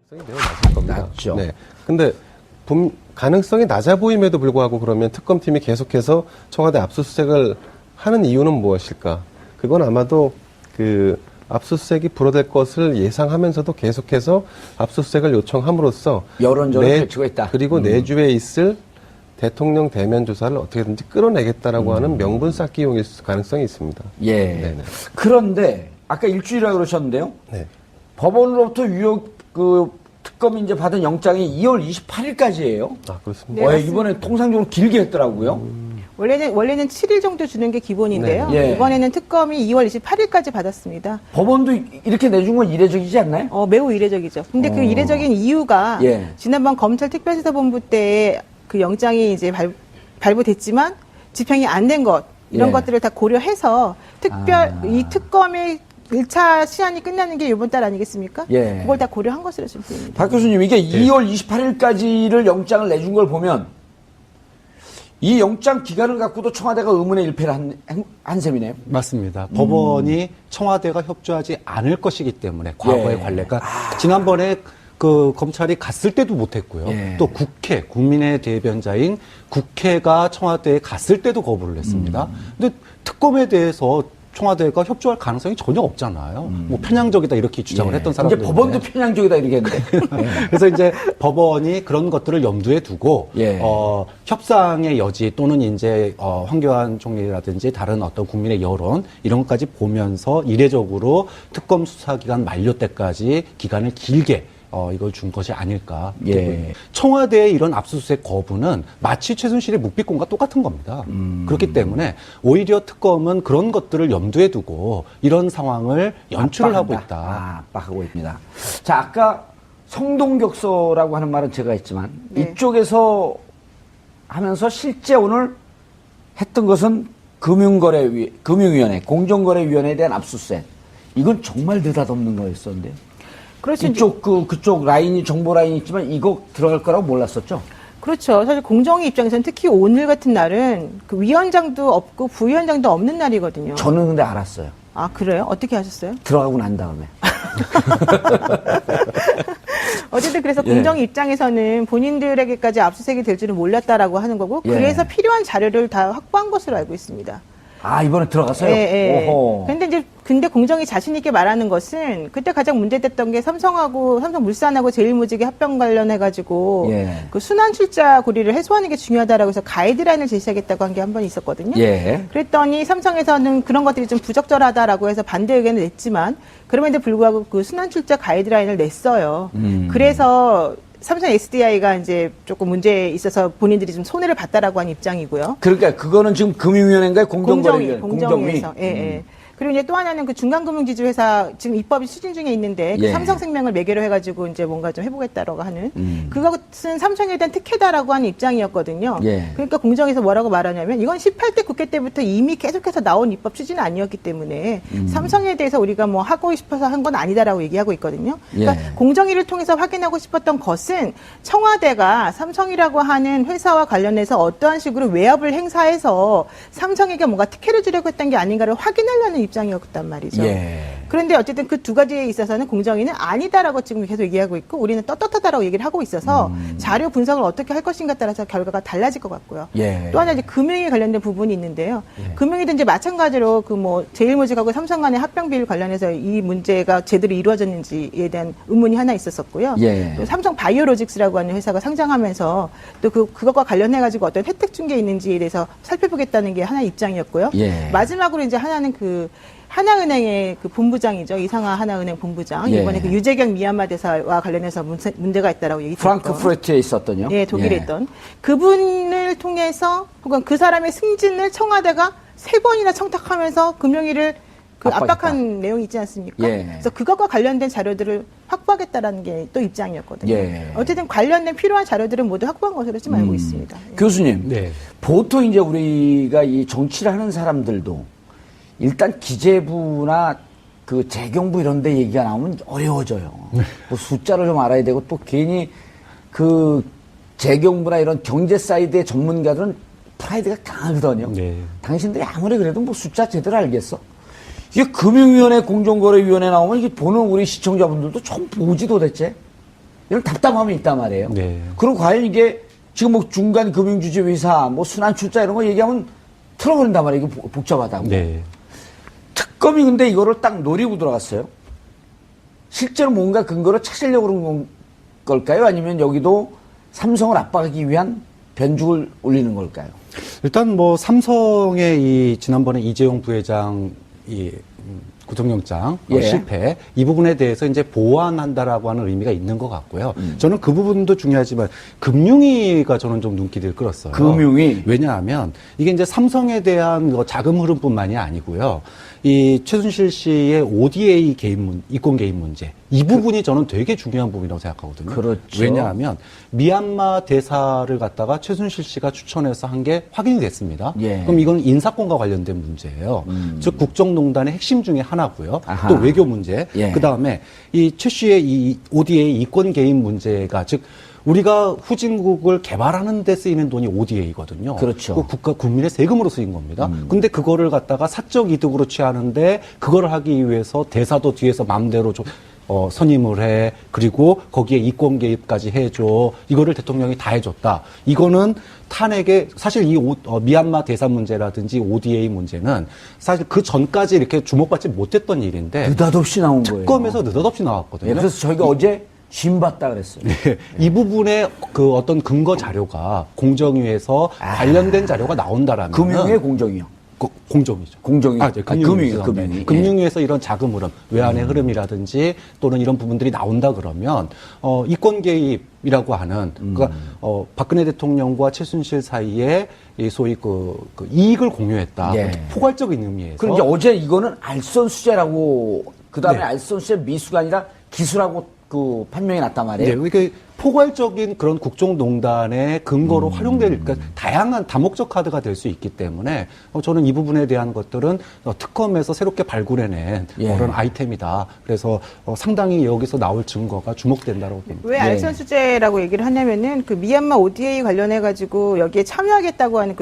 매우 낮을 겁니다. 낮죠. 네. 근데 가능성이 낮아 보임에도 불구하고 그러면 특검팀이 계속해서 청와대 압수수색을 하는 이유는 무엇일까? 그건 아마도 그 압수수색이 불어될 것을 예상하면서도 계속해서 압수수색을 요청함으로써 여론전을 펼치고 있다. 그리고 내주에 있을 대통령 대면 조사를 어떻게든지 끌어내겠다라고 하는 명분 쌓기용일 가능성이 있습니다. 예. 네네. 그런데 아까 일주일이라고 그러셨는데요. 네. 법원으로부터 특검이 이제 받은 영장이 2월 28일까지예요. 아, 그렇습니다. 네, 이번에 통상적으로 길게 했더라고요. 원래는 7일 정도 주는 게 기본인데요. 네. 예. 이번에는 특검이 2월 28일까지 받았습니다. 법원도 이렇게 내준 건 이례적이지 않나요? 매우 이례적이죠. 근데 그 이례적인 이유가 예. 지난번 검찰 특별수사본부 때 그 영장이 이제 발부됐지만 집행이 안 된 것 이런 예. 것들을 다 고려해서 이 특검의 1차 시한이 끝나는 게 이번 달 아니겠습니까? 예. 그걸 다 고려한 것으로 지금 보입니다. 박 교수님, 이게 2월 28일까지를 영장을 내준 걸 보면 이 영장 기간을 갖고도 청와대가 의문의 일패를 한 셈이네요. 맞습니다. 법원이 청와대가 협조하지 않을 것이기 때문에 과거의 예. 관례가 지난번에 그 검찰이 갔을 때도 못했고요. 예. 또 국민의 대변자인 국회가 청와대에 갔을 때도 거부를 했습니다. 근데 특검에 대해서 청와대가 협조할 가능성이 전혀 없잖아요. 뭐 편향적이다 이렇게 주장을 했던 사람들. 이제 법원도 편향적이다 이렇게 했는데. 그래서 이제 법원이 그런 것들을 염두에 두고 예. 협상의 여지 또는 이제 황교안 총리라든지 다른 어떤 국민의 여론 이런 것까지 보면서 이례적으로 특검 수사 기간 만료 때까지 기간을 길게 이걸 준 것이 아닐까. 예. 청와대의 이런 압수수색 거부는 마치 최순실의 묵비권과 똑같은 겁니다. 그렇기 때문에 오히려 특검은 그런 것들을 염두에 두고 이런 상황을 연출을 하고 있다. 압박하고 있습니다. 자, 아까 성동격서라고 하는 말은 제가 했지만 네. 이쪽에서 하면서 실제 오늘 했던 것은 금융위원회, 공정거래위원회에 대한 압수수색. 이건 정말 느닷없는 거였었는데요. 그렇죠. 그쪽 라인이 정보 라인이 있지만 이거 들어갈 거라고 몰랐었죠. 그렇죠. 사실 공정위 입장에서는 특히 오늘 같은 날은 그 위원장도 없고 부위원장도 없는 날이거든요. 저는 근데 알았어요. 아, 그래요? 어떻게 하셨어요? 들어가고 난 다음에. 어쨌든 그래서 예. 공정위 입장에서는 본인들에게까지 압수수색이 될 줄은 몰랐다라고 하는 거고 예. 그래서 필요한 자료를 다 확보한 것으로 알고 있습니다. 아, 이번에 들어갔어요? 예, 예. 오호. 근데 공정이 자신 있게 말하는 것은 그때 가장 문제됐던 게 삼성물산하고 제일모직의 합병 관련해가지고 예. 그 순환 출자 고리를 해소하는 게 중요하다라고 해서 가이드라인을 제시하겠다고 한 게 한 번 있었거든요. 예. 그랬더니 삼성에서는 그런 것들이 좀 부적절하다라고 해서 반대 의견을 냈지만 그럼에도 불구하고 그 순환 출자 가이드라인을 냈어요. 그래서 삼성 SDI가 이제 조금 문제에 있어서 본인들이 좀 손해를 봤다라고 한 입장이고요. 그러니까 그거는 지금 금융위원회인가요? 공정거래위원회. 공정위에서. 예, 예. 그리고 이제 또 하나는 그 중간금융지주회사 지금 입법이 추진 중에 있는데 그 예. 삼성생명을 매개로 해가지고 이제 뭔가 좀 해보겠다라고 하는 그것은 삼성에 대한 특혜다라고 하는 입장이었거든요. 예. 그러니까 공정에서 뭐라고 말하냐면 이건 18대 국회 때부터 이미 계속해서 나온 입법 추진은 아니었기 때문에 삼성에 대해서 우리가 뭐 하고 싶어서 한 건 아니다라고 얘기하고 있거든요. 그러니까 예. 공정위를 통해서 확인하고 싶었던 것은 청와대가 삼성이라고 하는 회사와 관련해서 어떠한 식으로 외압을 행사해서 삼성에게 뭔가 특혜를 주려고 했던 게 아닌가를 확인하려는 입장이었단 말이죠. 예. 그런데 어쨌든 그 두 가지에 있어서는 공정위는 아니다라고 지금 계속 얘기하고 있고 우리는 떳떳하다라고 얘기를 하고 있어서 자료 분석을 어떻게 할 것인가 따라서 결과가 달라질 것 같고요. 예. 또 하나 이제 금융에 관련된 부분이 있는데요. 금융이든 이제 마찬가지로 그 뭐 제일모직하고 삼성 간의 합병 비율 관련해서 이 문제가 제대로 이루어졌는지에 대한 의문이 하나 있었었고요. 예. 또 삼성 바이오로직스라고 하는 회사가 상장하면서 또 그것과 관련해 가지고 어떤 혜택 준 게 있는지에 대해서 살펴보겠다는 게 하나의 입장이었고요. 예. 마지막으로 이제 하나는 그 하나은행의 그 본부장이죠. 이상하 하나은행 본부장. 예. 이번에 그 유재경 미얀마 대사와 관련해서 문제가 있다라고 얘기했던. 프랑크푸르트에 있었던요. 예, 독일에 예. 있던. 그분을 통해서 혹은 그 사람의 승진을 청와대가 3번이나 청탁하면서 금융위를 압박한 내용이 있지 않습니까? 예. 그래서 그것과 관련된 자료들을 확보하겠다라는 게 또 입장이었거든요. 예. 어쨌든 관련된 필요한 자료들은 모두 확보한 것으로 지금 알고 있습니다. 예. 교수님, 네. 보통 이제 우리가 이 정치를 하는 사람들도 일단 기재부나 그 재경부 이런 데 얘기가 나오면 어려워져요. 뭐 숫자를 좀 알아야 되고 또 괜히 그 재경부나 이런 경제 사이드의 전문가들은 프라이드가 강하거든요. 네. 당신들이 아무리 그래도 뭐 숫자 제대로 알겠어? 이게 금융위원회, 공정거래위원회 나오면 이게 보는 우리 시청자분들도 처음 보지 도대체? 이런 답답함이 있단 말이에요. 네. 그리고 과연 이게 지금 뭐 중간 금융주주 회사, 뭐 순환출자 이런 거 얘기하면 틀어버린단 말이에요. 이게 복잡하다고. 네. 특검이 근데 이거를 딱 노리고 들어갔어요. 실제로 뭔가 근거를 찾으려고 그런 걸까요? 아니면 여기도 삼성을 압박하기 위한 변죽을 올리는 걸까요? 일단 뭐 삼성의 이 지난번에 이재용 부회장 이 구속영장 예. 실패 이 부분에 대해서 이제 보완한다라고 하는 의미가 있는 것 같고요. 저는 그 부분도 중요하지만 금융위가 저는 좀 눈길을 끌었어요. 금융위? 왜냐하면 이게 이제 삼성에 대한 자금 흐름뿐만이 아니고요. 이 최순실 씨의 ODA 개인 이권 개인 문제 이 부분이 저는 되게 중요한 부분이라고 생각하거든요. 그렇죠. 왜냐하면 미얀마 대사를 갖다가 최순실 씨가 추천해서 한 게 확인이 됐습니다. 예. 그럼 이건 인사권과 관련된 문제예요. 즉 국정농단의 핵심 중에 하나고요. 아하. 또 외교 문제. 예. 그 다음에 이 최 씨의 이 ODA 이권 개인 문제가 즉 우리가 후진국을 개발하는 데 쓰이는 돈이 ODA거든요. 그렇죠. 그 국가 국민의 세금으로 쓰인 겁니다. 근데 그거를 갖다가 사적 이득으로 취하는데 그걸 하기 위해서 대사도 뒤에서 마음대로 선임을 해. 그리고 거기에 이권 개입까지 해줘. 이거를 대통령이 다 해줬다. 이거는 탄핵에 사실 이 미얀마 대사 문제라든지 ODA 문제는 사실 그 전까지 이렇게 주목받지 못했던 일인데 느닷없이 나온 거예요. 특검에서 느닷없이 나왔거든요. 예, 그래서 저희가 어제 심 봤다 그랬어요. 네, 이 부분에 그 어떤 근거 자료가 공정위에서 관련된 자료가 나온다라면 금융의 공정이요. 공정이죠. 공정위. 네, 금융위에서. 금융위. 금융위에서 이런 자금 흐름, 외환의 흐름이라든지 또는 이런 부분들이 나온다 그러면 이권 개입이라고 하는 그러니까 박근혜 대통령과 최순실 사이에 이 소위 그 이익을 공유했다. 예. 포괄적인 의미에서. 그럼 이제 어제 이거는 알선수재라고 그다음에 네. 알선수재 미수가 아니라 기수라고 그 판명이 났단 말이에요. 네, 이게 포괄적인 그런 국정농단의 근거로 활용될, 그러니까 다양한 다목적 카드가 될 수 있기 때문에 저는 이 부분에 대한 것들은 특검에서 새롭게 발굴해낸 예. 그런 아이템이다. 그래서 상당히 여기서 나올 증거가 주목된다고 봅니다. 왜 알선수재라고 얘기를 하냐면은 그 미얀마 ODA 관련해 가지고 여기에 참여하겠다고 하는 그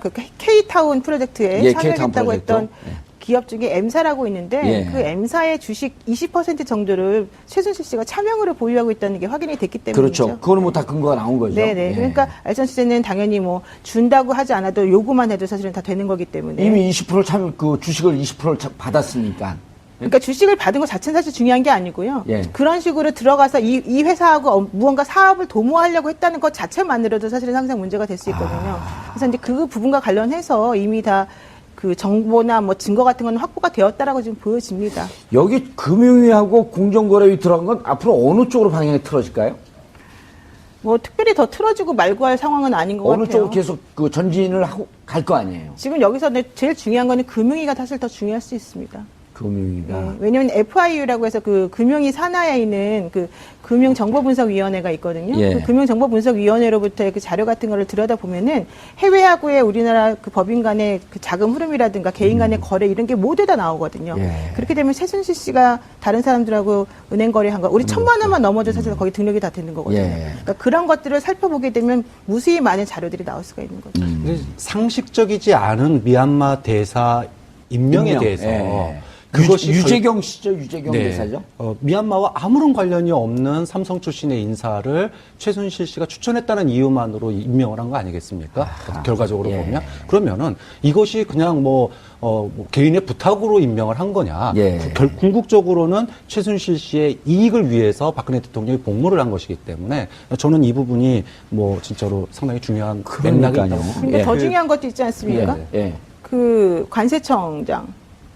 K타운 프로젝트에 예, 참여하겠다고 K타운 했던 프로젝트. 기업 중에 M사라고 있는데 예. 그 M사의 주식 20% 정도를 최순실 씨가 차명으로 보유하고 있다는 게 확인이 됐기 때문이죠. 그렇죠. 그거는 뭐 다 근거가 나온 거죠. 네네. 예. 그러니까 알선수재는 당연히 뭐 준다고 하지 않아도 요구만 해도 사실은 다 되는 거기 때문에. 이미 20%를 그 주식을 20%를 받았으니까. 그러니까 주식을 받은 것 자체는 사실 중요한 게 아니고요. 예. 그런 식으로 들어가서 이 회사하고 무언가 사업을 도모하려고 했다는 것 자체만으로도 사실은 항상 문제가 될 수 있거든요. 그래서 이제 그 부분과 관련해서 이미 다 그 정보나 뭐 증거 같은 건 확보가 되었다라고 지금 보여집니다. 여기 금융위하고 공정거래위 들어간 건 앞으로 어느 쪽으로 방향이 틀어질까요? 뭐 특별히 더 틀어지고 말고 할 상황은 아닌 것 어느 같아요. 쪽으로 계속 그 전진을 하고 갈 거 아니에요. 지금 여기서 제일 중요한 거는 금융위가 사실 더 중요할 수 있습니다. 금융위가. 왜냐하면 FIU라고 해서 그 금융위 산하에 있는 그 금융정보분석위원회가 있거든요. 예. 그 금융정보분석위원회로부터의 그 자료 같은 거를 들여다보면은 해외하고의 우리나라 그 법인 간의 그 자금 흐름이라든가 개인 간의 거래 이런 게 모두 다 나오거든요. 예. 그렇게 되면 최순실 씨가 다른 사람들하고 은행 거래한 거 우리 1,000만 원만 넘어도 사실 거기 등록이 다 되는 거거든요. 예. 그러니까 그런 것들을 살펴보게 되면 무수히 많은 자료들이 나올 수가 있는 거죠. 근데 상식적이지 않은 미얀마 대사 임명에 임명. 대해서 예. 그것이 유재경 씨죠? 유재경 네. 대사죠? 미얀마와 아무런 관련이 없는 삼성 출신의 인사를 최순실 씨가 추천했다는 이유만으로 임명을 한 거 아니겠습니까? 결과적으로 예. 보면. 그러면은 이것이 그냥 뭐 개인의 부탁으로 임명을 한 거냐. 예. 궁극적으로는 최순실 씨의 이익을 위해서 박근혜 대통령이 복무를 한 것이기 때문에 저는 이 부분이 뭐 진짜로 상당히 중요한 맥락이 그러니까요. 있다고 봅니다. 근데 예. 더 중요한 것도 있지 않습니까? 예. 그 관세청장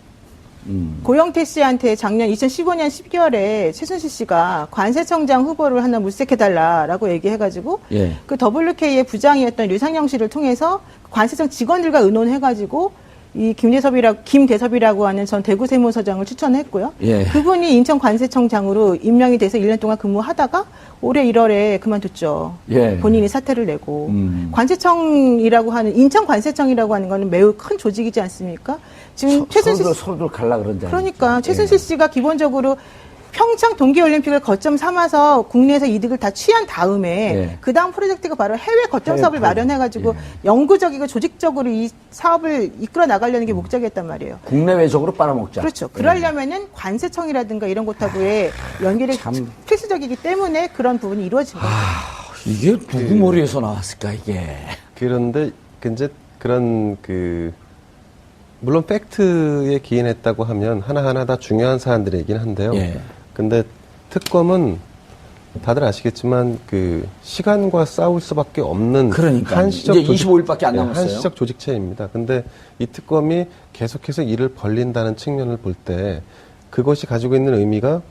고영태 씨한테 작년 2015년 12월에 최순실 씨가 관세청장 후보를 하나 물색해달라라고 얘기해가지고 예. 그 WK의 부장이었던 류상영 씨를 통해서 관세청 직원들과 의논해가지고 이 김대섭이라고 하는 전 대구 세무서장을 추천했고요. 예. 그분이 인천관세청장으로 임명이 돼서 1년 동안 근무하다가 올해 1월에 그만뒀죠. 예. 본인이 사퇴를 내고 관세청이라고 하는 인천관세청이라고 하는 거는 매우 큰 조직이지 않습니까? 지금 최순실 서로들 갈라 그런다. 그러니까 최순실 씨가 기본적으로 평창 동계올림픽을 거점 삼아서 국내에서 이득을 다 취한 다음에 예. 그 다음 프로젝트가 바로 해외 거점 사업을 마련해가지고 영구적이고 조직적으로 이 사업을 이끌어 나가려는 게 목적이었단 말이에요. 국내외적으로 빨아먹자. 그렇죠. 그러려면은 관세청이라든가 이런 곳하고의 연결이 참. 필수적 상징적이기 때문에 그런 부분이 이루어진 거죠. 이게 누구 머리에서 나왔을까 이게? 그런데 이제 그런 물론 팩트에 기인했다고 하면 하나하나 다 중요한 사안들이긴 한데요. 예. 근데 특검은 다들 아시겠지만 시간과 싸울 수밖에 없는 그러니까요. 한시적 이제 25일밖에 안 남았어요. 한시적 조직체입니다. 근데 이 특검이 계속해서 일을 벌린다는 측면을 볼 때 그것이 가지고 있는 의미가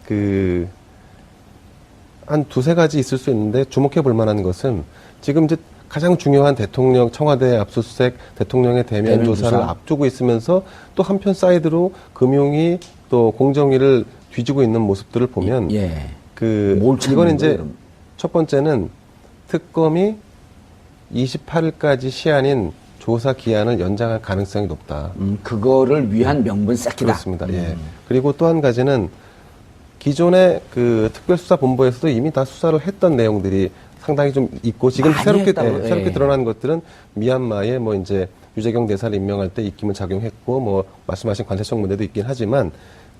한 두세 가지 있을 수 있는데 주목해 볼 만한 것은 지금 이제 가장 중요한 대통령 청와대 압수수색 대통령의 대면 조사를 앞두고 있으면서 또 한편 사이드로 금융위 또 공정위를 뒤지고 있는 모습들을 보면 예. 이건 이제 첫 번째는 특검이 28일까지 시한인 조사 기한을 연장할 가능성이 높다. 그거를 위한 명분 쌓기다. 그렇습니다. 예. 그리고 또 한 가지는 기존의 특별수사본부에서도 이미 다 수사를 했던 내용들이 상당히 좀 있고 지금 많이 새롭게 했다고요? 새롭게 예. 드러난 것들은 미얀마에 이제 유재경 대사를 임명할 때 입김을 작용했고 말씀하신 관세청 문제도 있긴 하지만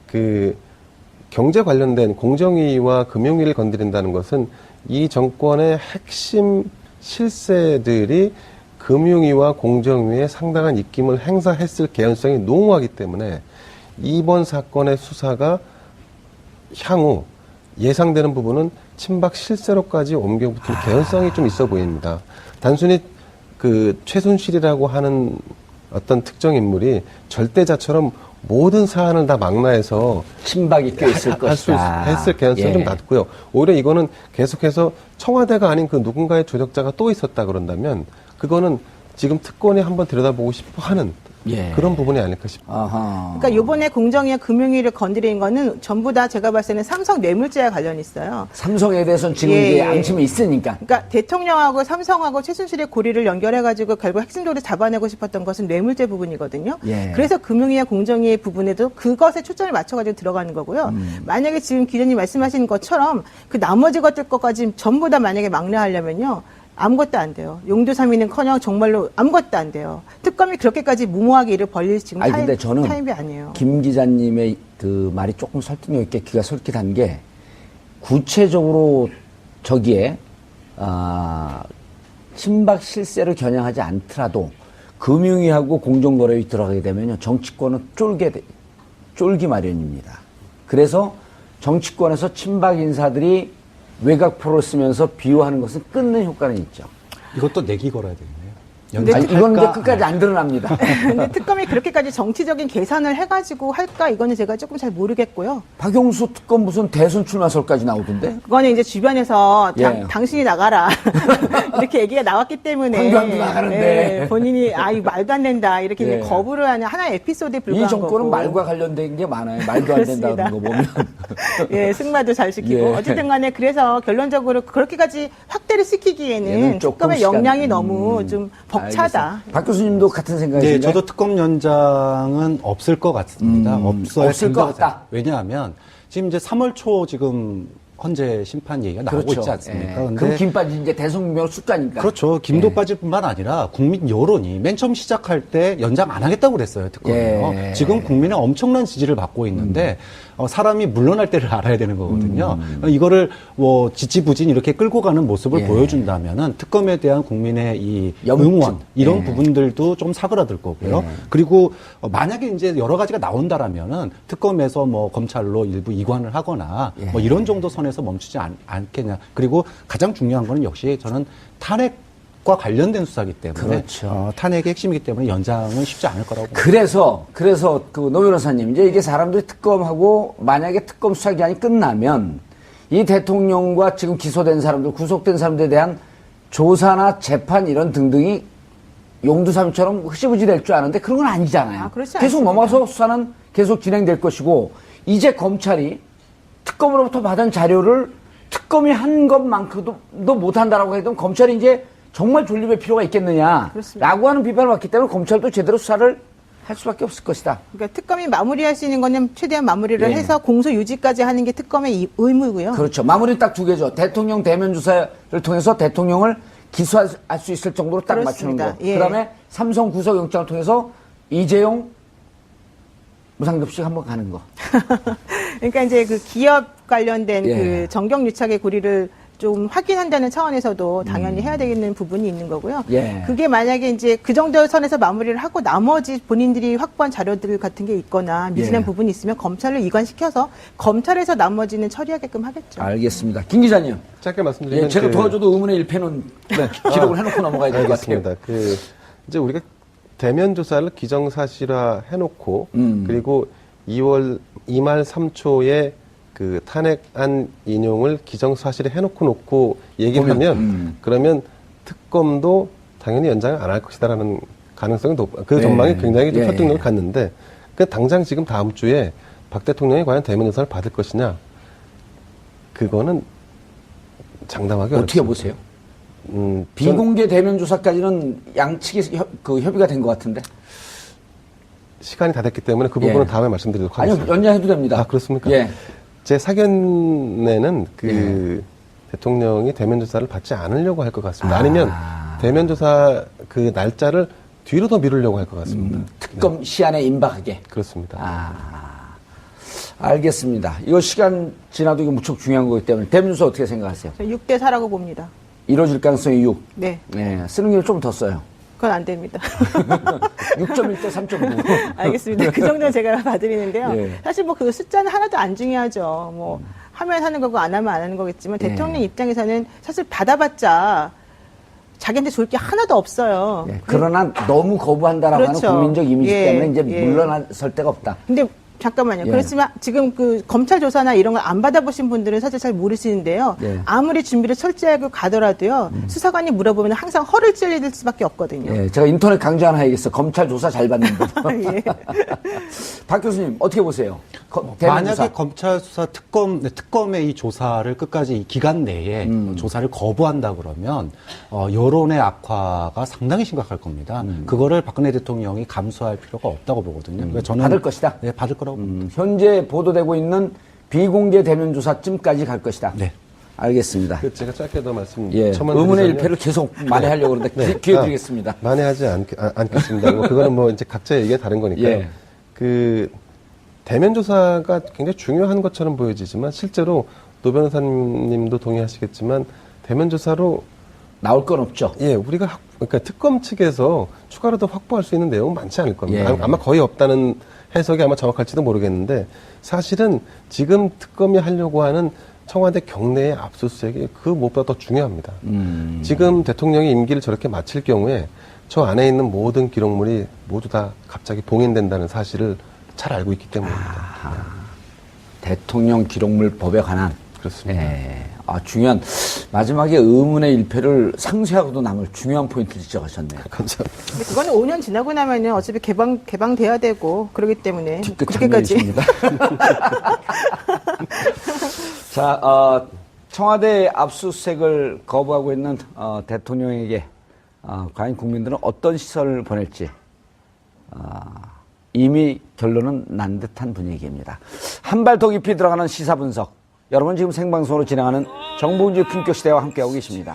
경제 관련된 공정위와 금융위를 건드린다는 것은 이 정권의 핵심 실세들이 금융위와 공정위에 상당한 입김을 행사했을 개연성이 농후하기 때문에 이번 사건의 수사가 향후 예상되는 부분은 친박 실세로까지 옮겨붙을 개연성이 좀 있어 보입니다. 단순히 최순실이라고 하는 어떤 특정 인물이 절대자처럼 모든 사안을 다 망라해서 친박이 껴있을 것이다. 했을 개연성이 예. 좀 낮고요. 오히려 이거는 계속해서 청와대가 아닌 누군가의 조력자가 또 있었다 그런다면 그거는 지금 특권이 한번 들여다보고 싶어 하는 예. 그런 부분이 아닐까 싶습니다. 아하. 그러니까 요번에 공정위와 금융위를 건드린 거는 전부 다 제가 봤을 때는 삼성 뇌물죄와 관련이 있어요. 삼성에 대해서는 지금 예, 이제 예. 앙심이 있으니까. 그러니까 대통령하고 삼성하고 최순실의 고리를 연결해가지고 결국 핵심적으로 잡아내고 싶었던 것은 뇌물죄 부분이거든요. 예. 그래서 금융위와 공정위의 부분에도 그것에 초점을 맞춰가지고 들어가는 거고요. 만약에 지금 기자님 말씀하신 것처럼 나머지 것들까지 전부 다 만약에 막내하려면요. 아무것도 안 돼요. 용두삼이는커녕 정말로 아무것도 안 돼요. 특검이 그렇게까지 무모하게 일을 벌릴 지금 근데 저는 타임이 아니에요. 김 기자님의 말이 조금 설득력 있게 귀가 솔깃한 게 구체적으로 저기에 친박 실세를 겨냥하지 않더라도 금융위하고 공정거래위 들어가게 되면요 정치권은 쫄기 마련입니다. 그래서 정치권에서 친박 인사들이 외곽 프로를 쓰면서 비호하는 것은 끊는 효과는 있죠. 이것도 내기 걸어야 되겠네요. 아니, 이건 이제 끝까지 안 드러납니다. 근데 특검이 그렇게까지 정치적인 계산을 해가지고 할까 이거는 제가 조금 잘 모르겠고요. 박용수 특검 무슨 대선 출마설까지 나오던데? 그거는 이제 주변에서 예. 당신이 나가라 이렇게 얘기가 나왔기 때문에 황교안도 나가는데. 예, 본인이 이거 말도 안 된다 이렇게 예. 이제 거부를 하는 하나의 에피소드에 불과한 이 정권은 거고. 말과 관련된 게 많아요. 말도 안 된다는 거 보면. 예, 승마도 잘 시키고 예. 어쨌든 간에 그래서 결론적으로 그렇게까지 확대를 시키기에는 얘는 조금 특검의 시간- 역량이 너무 좀 벅차다. 알겠습니다. 박 교수님도 같은 생각이신가요? 네, 저도 특검 연장은 없을 것 같습니다. 없어야 없을 것 같다. 왜냐하면 지금 이제 3월 초 지금 헌재 심판 얘기가 나오고 있지 않습니까? 예. 근데 그럼 김 빠진 이제 대성명 숫자니까. 그렇죠. 김도 빠질 뿐만 아니라 국민 여론이 맨 처음 시작할 때 연장 안 하겠다고 그랬어요. 특검이요. 예. 지금 국민의 엄청난 지지를 받고 있는데 사람이 물러날 때를 알아야 되는 거거든요. 이거를 지지부진 이렇게 끌고 가는 모습을 예. 보여준다면은 특검에 대한 국민의 이 염증. 응원 이런 예. 부분들도 좀 사그라들 거고요. 그리고 만약에 이제 여러 가지가 나온다라면은 특검에서 검찰로 일부 이관을 하거나 예. 이런 정도 선에서 멈추지 않겠냐. 그리고 가장 중요한 거는 역시 저는 탄핵과 관련된 수사기 때문에 그렇죠. 탄핵의 핵심이기 때문에 연장은 쉽지 않을 거라고 봅니다. 그래서 노 변호사님, 이제 이게 사람들이 특검하고 만약에 특검 수사 기간이 끝나면 이 대통령과 지금 기소된 사람들, 구속된 사람들에 대한 조사나 재판 이런 등등이 용두삼처럼 흐지부지 될 줄 아는데 그런 건 아니잖아요. 그렇지 계속 않습니다. 넘어가서 수사는 계속 진행될 것이고 이제 검찰이 특검으로부터 받은 자료를 특검이 한 것만큼도 못한다라고 해도 검찰이 이제 정말 존립의 필요가 있겠느냐라고 그렇습니다. 하는 비판을 받기 때문에 검찰도 제대로 수사를 할 수밖에 없을 것이다. 그러니까 특검이 마무리할 수 있는 거는 최대한 마무리를 예. 해서 공소 유지까지 하는 게 특검의 의무고요. 그렇죠. 마무리 딱 두 개죠. 대통령 대면 조사를 통해서 대통령을 기소할 수 있을 정도로 딱 맞추는 그렇습니다. 거. 예. 그다음에 삼성 구속영장을 통해서 이재용 무상급식 한번 가는 거. 그러니까 이제 그 기업 관련된 예. 그 정경유착의 고리를 좀 확인한다는 차원에서도 당연히 해야 되는 부분이 있는 거고요. 예. 그게 만약에 이제 그 정도 선에서 마무리를 하고 나머지 본인들이 확보한 자료들 같은 게 있거나 미진한 예. 부분이 있으면 검찰로 이관시켜서 검찰에서 나머지는 처리하게끔 하겠죠. 알겠습니다. 김 기자님. 짧게 말씀드리면 예, 제가 그- 도와줘도 의문의 일패는 기록을 해놓고 넘어가야 될 것 같아요. 알겠습니다. 이제 우리가 대면 조사를 기정사실화 해놓고 그리고 2말 3초에 그 탄핵안 인용을 기정사실에 해놓고 얘기하면 그러면 특검도 당연히 연장을 안 할 것이다라는 가능성이 그 전망이 굉장히 좀 설득력을 갖는데 그 당장 지금 다음 주에 박 대통령이 과연 대면 조사를 받을 것이냐 그거는 장담하기 어떻게 어렵습니다. 보세요? 전- 비공개 대면 조사까지는 양측이 협의가 된 것 같은데. 시간이 다 됐기 때문에 그 부분은 예. 다음에 말씀드리도록 아니요, 하겠습니다. 연장해도 됩니다. 아, 그렇습니까? 예. 제 사견에는 예. 대통령이 대면 조사를 받지 않으려고 할 것 같습니다. 아니면 대면 조사 그 날짜를 뒤로 더 미루려고 할 것 같습니다. 특검 시한에 임박하게. 그렇습니다. 알겠습니다. 이거 시간 지나도 이거 무척 중요한 거기 때문에 대면 조사 어떻게 생각하세요? 6대 4라고 봅니다. 이루어질 가능성이 6. 네, 네, 쓰는 게 좀 더 써요. 그건 안 됩니다. 6.1대 3.9. 알겠습니다. 그 정도는 제가 봐드리는데요. 예. 사실 뭐 그 숫자는 하나도 안 중요하죠. 뭐 하면 하는 거고 안 하면 안 하는 거겠지만 예. 대통령 입장에서는 사실 받아봤자 자기한테 좋을 게 하나도 없어요. 예, 그러나 너무 거부한다라고 그렇죠. 하는 국민적 이미지 예, 때문에 이제 예. 물러설 데가 없다. 근데 잠깐만요. 예. 그렇지만 지금 그 검찰 조사나 이런 걸 안 받아보신 분들은 사실 잘 모르시는데요. 예. 아무리 준비를 철저하게 가더라도요. 수사관이 물어보면 항상 허를 찔릴 수밖에 없거든요. 예, 제가 인터넷 강좌 하나 해야겠어. 검찰 조사 잘 받는 법. 예. 박 교수님 어떻게 보세요? 대면 만약에 조사. 검찰 수사 특검의 이 조사를 끝까지 이 기간 내에 조사를 거부한다 그러면 여론의 악화가 상당히 심각할 겁니다. 그거를 박근혜 대통령이 감수할 필요가 없다고 보거든요. 그래서 저는 받을 것이다? 네, 받을 거라고 봅니다. 현재 보도되고 있는 비공개 대면 조사쯤까지 갈 것이다. 네. 알겠습니다. 제가 짧게 더 말씀 예, 첨언을 의문의 드리자면- 일패를 계속 만회하려고 그러는데 네. 기회 드리겠습니다. 만회하지 않겠습니다. 뭐 그거는 뭐 이제 각자의 얘기가 다른 거니까요. 예. 그 대면 조사가 굉장히 중요한 것처럼 보여지지만 실제로 노 변호사님도 동의하시겠지만 대면 조사로 나올 건 없죠. 예, 우리가 그러니까 특검 측에서 추가로 더 확보할 수 있는 내용은 많지 않을 겁니다. 예. 아마 거의 없다는 해석이 아마 정확할지도 모르겠는데 사실은 지금 특검이 하려고 하는 청와대 경내의 압수수색이 그 무엇보다 더 중요합니다. 지금 대통령이 임기를 저렇게 마칠 경우에 저 안에 있는 모든 기록물이 모두 다 갑자기 봉인된다는 사실을 잘 알고 있기 때문입니다. 대통령 기록물 법에 관한. 그렇습니다. 예. 중요한 마지막에 의문의 일패를 상쇄하고도 남을 중요한 포인트를 지적하셨네요. 감사합니다. 근데 그거는 5년 지나고 나면은 어차피 개방돼야 되고 그러기 때문에 뒤끝 그렇게까지. 장면이십니다. 자, 청와대 압수수색을 거부하고 있는 대통령에게 과연 국민들은 어떤 시선을 보낼지 이미 결론은 난 듯한 분위기입니다. 한 발 더 깊이 들어가는 시사 분석. 여러분 지금 생방송으로 진행하는 정봉주 품격시대와 함께하고 계십니다.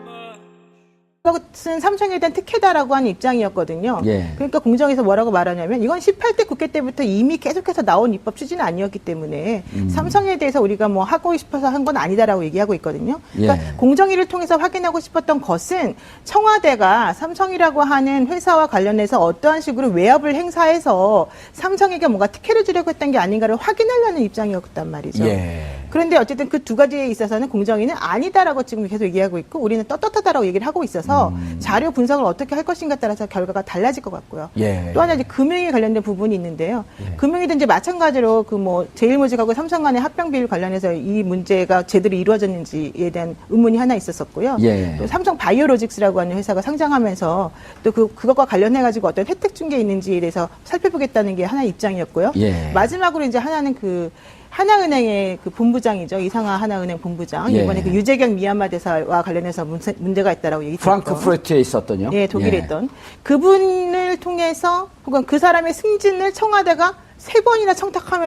그것은 삼성에 대한 특혜다라고 하는 입장이었거든요. 예. 그러니까 공정에서 뭐라고 말하냐면 이건 18대 국회 때부터 이미 계속해서 나온 입법 추진은 아니었기 때문에 삼성에 대해서 우리가 뭐 하고 싶어서 한 건 아니다라고 얘기하고 있거든요. 그러니까 예. 공정위를 통해서 확인하고 싶었던 것은 청와대가 삼성이라고 하는 회사와 관련해서 어떠한 식으로 외압을 행사해서 삼성에게 뭔가 특혜를 주려고 했던 게 아닌가를 확인하려는 입장이었단 말이죠. 예. 그런데 어쨌든 그 두 가지에 있어서는 공정위는 아니다라고 지금 계속 얘기하고 있고 우리는 떳떳하다라고 얘기를 하고 있어서 자료 분석을 어떻게 할 것인가에 따라서 결과가 달라질 것 같고요. 예. 또 하나 이제 금융에 관련된 부분이 있는데요. 금융위도 이제 마찬가지로 그 뭐 제일모직하고 삼성 간의 합병 비율 관련해서 이 문제가 제대로 이루어졌는지에 대한 의문이 하나 있었었고요. 예. 또 삼성 바이오로직스라고 하는 회사가 상장하면서 또 그것과 관련해 가지고 어떤 혜택 준 게 있는지에 대해서 살펴보겠다는 게 하나의 입장이었고요. 예. 마지막으로 이제 하나는 그 하나은행의 그 본부장이죠. 이상하 하나은행 본부장. 예. 이번에 그 유재경 미얀마 대사와 관련해서 문제가 있다라고 얘기 프랑크푸르트에 있었던요. 네, 독일에 예. 있던 그분을 통해서 혹은 그 사람의 승진을 청와대가 3번이나 청탁하면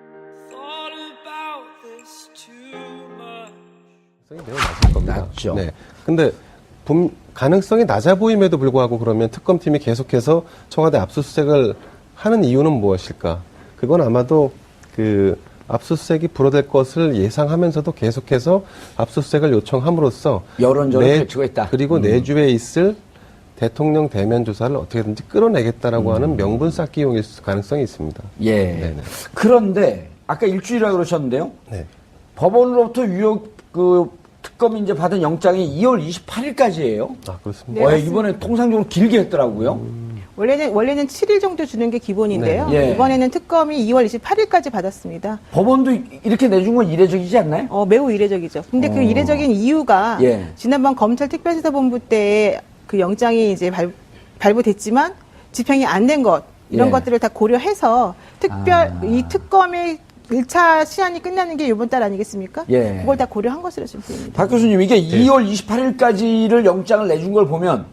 가능성이 매우 낮을 겁니다. 낮죠. 네. 근데 가능성이 낮아 보임에도 불구하고 그러면 특검팀이 계속해서 청와대 압수수색을 하는 이유는 무엇일까? 그건 아마도 그 압수수색이 불어될 것을 예상하면서도 계속해서 압수수색을 요청함으로써 여론전을 펼치고 있다. 그리고 내주에 있을 대통령 대면 조사를 어떻게든지 끌어내겠다라고 하는 명분 쌓기용일 가능성이 있습니다. 예. 네네. 그런데 아까 일주일이라고 그러셨는데요. 네. 법원으로부터 특검이 이제 받은 영장이 2월 28일까지예요. 아, 그렇습니다. 네, 맞습니다. 이번에 통상적으로 길게 했더라고요. 원래는 7일 정도 주는 게 기본인데요. 네. 예. 이번에는 특검이 2월 28일까지 받았습니다. 법원도 이렇게 내준 건 이례적이지 않나요? 매우 이례적이죠. 근데 그 이례적인 이유가 예. 지난번 검찰 특별수사본부 때 그 영장이 이제 발부됐지만 집행이 안 된 것 이런 예. 것들을 다 고려해서 이 특검의 1차 시한이 끝나는 게 이번 달 아니겠습니까? 예. 그걸 다 고려한 것으로 지금 보입니다. 박 교수님, 이게 2월 28일까지를 영장을 내준 걸 보면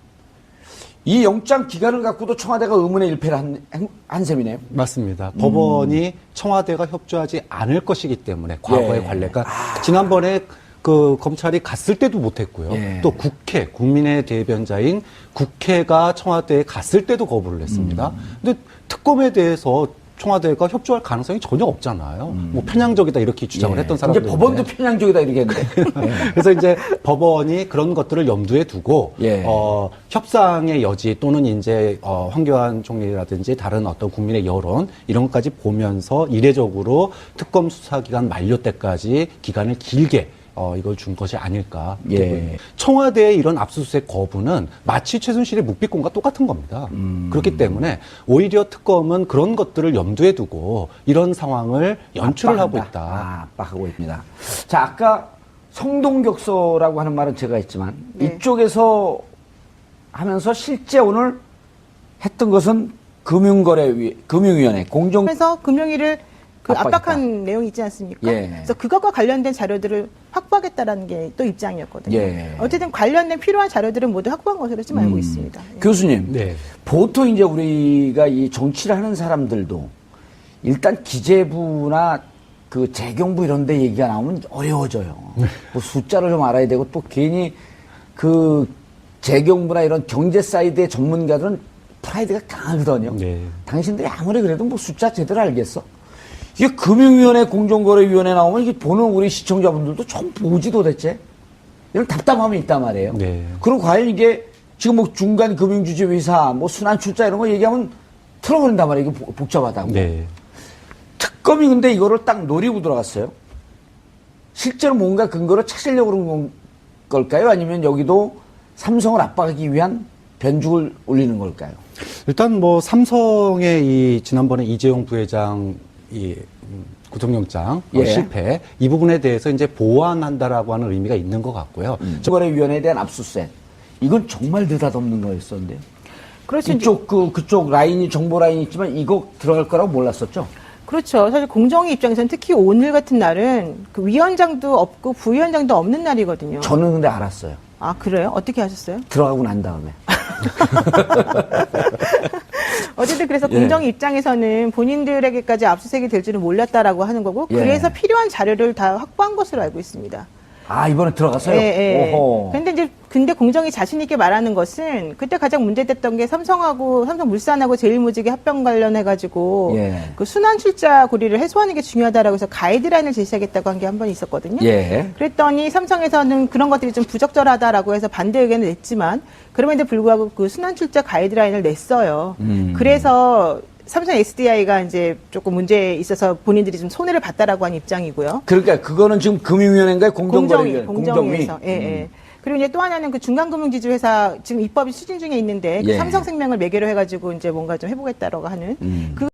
이 영장 기간을 갖고도 청와대가 의문의 일패를 한 셈이네요. 맞습니다. 법원이 청와대가 협조하지 않을 것이기 때문에 과거의 예. 관례가 지난번에 그 검찰이 갔을 때도 못했고요. 예. 또 국민의 대변자인 국회가 청와대에 갔을 때도 거부를 했습니다. 근데 특검에 대해서 청와대가 협조할 가능성이 전혀 없잖아요. 뭐 편향적이다 이렇게 주장을 예. 했던 이제 사람들. 법원도 편향적이다 이렇게 했는데. 그래서 이제 법원이 그런 것들을 염두에 두고 예. 협상의 여지 또는 이제 황교안 총리라든지 다른 어떤 국민의 여론 이런 것까지 보면서 이례적으로 특검 수사 기간 만료 때까지 기간을 길게 이걸 준 것이 아닐까. 예. 청와대의 이런 압수수색 거부는 마치 최순실의 묵비권과 똑같은 겁니다. 그렇기 때문에 오히려 특검은 그런 것들을 염두에 두고 이런 상황을 연출을 하고 있다. 압박하고 있습니다. 자, 아까 성동격서라고 하는 말은 제가 했지만 네. 이쪽에서 하면서 실제 오늘 했던 것은 금융위원회 공정 그래서 금융위를 압박했다. 압박한 내용이 있지 않습니까? 예. 그래서 그것과 관련된 자료들을 확보하겠다라는 게 또 입장이었거든요. 예. 어쨌든 관련된 필요한 자료들은 모두 확보한 것으로 지금 알고 있습니다. 예. 교수님, 네. 보통 이제 우리가 이 정치를 하는 사람들도 일단 기재부나 그 재경부 이런 데 얘기가 나오면 어려워져요. 뭐 숫자를 좀 알아야 되고 또 괜히 그 재경부나 이런 경제 사이드의 전문가들은 프라이드가 강하거든요. 네. 당신들이 아무리 그래도 뭐 숫자 제대로 알겠어? 이게 금융위원회, 공정거래위원회 나오면 이게 보는 우리 시청자분들도 좀 보지 도대체? 이런 답답함이 있단 말이에요. 네. 그리고 과연 이게 지금 뭐 중간 금융주주회사, 뭐 순환출자 이런 거 얘기하면 틀어버린단 말이에요. 이게 복잡하다고. 네. 특검이 근데 이거를 딱 노리고 들어갔어요. 실제로 뭔가 근거를 찾으려고 그런 걸까요? 아니면 여기도 삼성을 압박하기 위한 변죽을 올리는 걸까요? 일단 뭐 삼성의 이 지난번에 이재용 부회장 이 구속영장 예. 실패 이 부분에 대해서 이제 보완한다라고 하는 의미가 있는 것 같고요. 거래위원회에 대한 압수수색. 이건 정말 느닷없는 거였었는데요. 그렇죠. 그쪽 라인이 정보 라인이 있지만 이거 들어갈 거라고 몰랐었죠. 그렇죠. 사실 공정위 입장에서는 특히 오늘 같은 날은 그 위원장도 없고 부위원장도 없는 날이거든요. 저는 근데 알았어요. 아, 그래요? 어떻게 하셨어요? 들어가고 난 다음에. 어쨌든 그래서 예. 공정위 입장에서는 본인들에게까지 압수수색이 될 줄은 몰랐다라고 하는 거고 예. 그래서 필요한 자료를 다 확보한 것으로 알고 있습니다. 아, 이번에 들어갔어요? 예. 오호. 근데 공정이 자신 있게 말하는 것은 그때 가장 문제됐던 게 삼성물산하고 제일모직의 합병 관련해가지고 예. 그 순환출자 고리를 해소하는 게 중요하다고 해서 가이드라인을 제시하겠다고 한 게 한 번 있었거든요. 예. 그랬더니 삼성에서는 그런 것들이 좀 부적절하다라고 해서 반대 의견을 냈지만 그럼에도 불구하고 그 순환출자 가이드라인을 냈어요. 그래서 삼성 SDI가 이제 조금 문제에 있어서 본인들이 좀 손해를 봤다라고 하는 입장이고요. 그러니까 그거는 지금 금융위원회인가요? 공정거래위원회? 공정위에서. 예, 예. 그리고 이제 또 하나는 그 중간금융지주회사 지금 입법이 추진 중에 있는데 그 예. 삼성생명을 매개로 해가지고 이제 뭔가 좀 해보겠다라고 하는 그